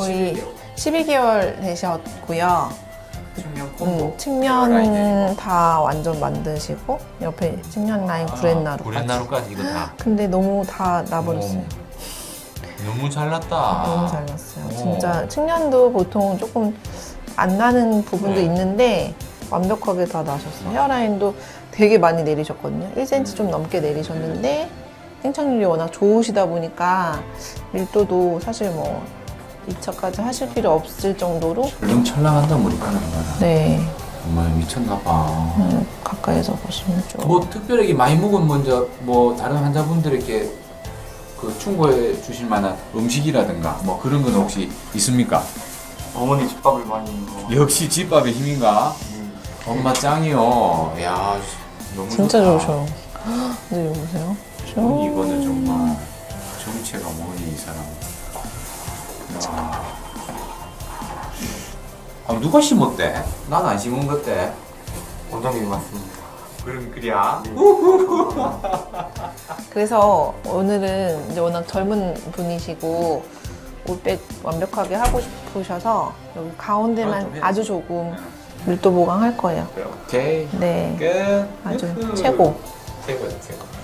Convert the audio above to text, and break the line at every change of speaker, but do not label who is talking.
거의 12개월 되셨고요.
측면 콤보.
측면 다 완전 만드시고 옆에 측면 라인 구렛나루까지.
구렛나루까지 이거 다.
근데 너무 다 나버렸어요.
너무 잘났다.
너무 잘 났어요.
오.
진짜 측면도 보통 조금 안 나는 부분도
네.
있는데 완벽하게 다 나셨어요. 헤어라인도 되게 많이 내리셨거든요. 1cm 좀 넘게 내리셨는데 생착률이 워낙 좋으시다 보니까 밀도도 사실 뭐 2차까지 하실 필요 없을 정도로
철렁철렁한다 머리카락 봐라.
네,
정말 미쳤나 봐.
가까이서 보시면 좀
뭐 특별하게 많이 먹은 먼저 뭐 다른 환자분들에게 그 충고해 주실 만한 음식이라든가 뭐 그런 건 혹시 있습니까?
어머니 집밥을 많이 먹어.
역시 집밥의 힘인가? 엄마 짱이요. 야 너무
진짜
좋다.
좋으셔. 근데 여기 보세요.
이거는 정말 정체가 뭐니 이 사람. 야. 아, 누가 심었대? 난 안 심은 것대.
원장님이 맞습니다.
그럼 그래야.
그래서 오늘은 이제 워낙 젊은 분이시고 올백 완벽하게 하고 싶으셔서 여기 가운데만 아주 조금 밀도 보강할 거예요.
오케이.
네,
끝.
아주 최고.
최고야 최고.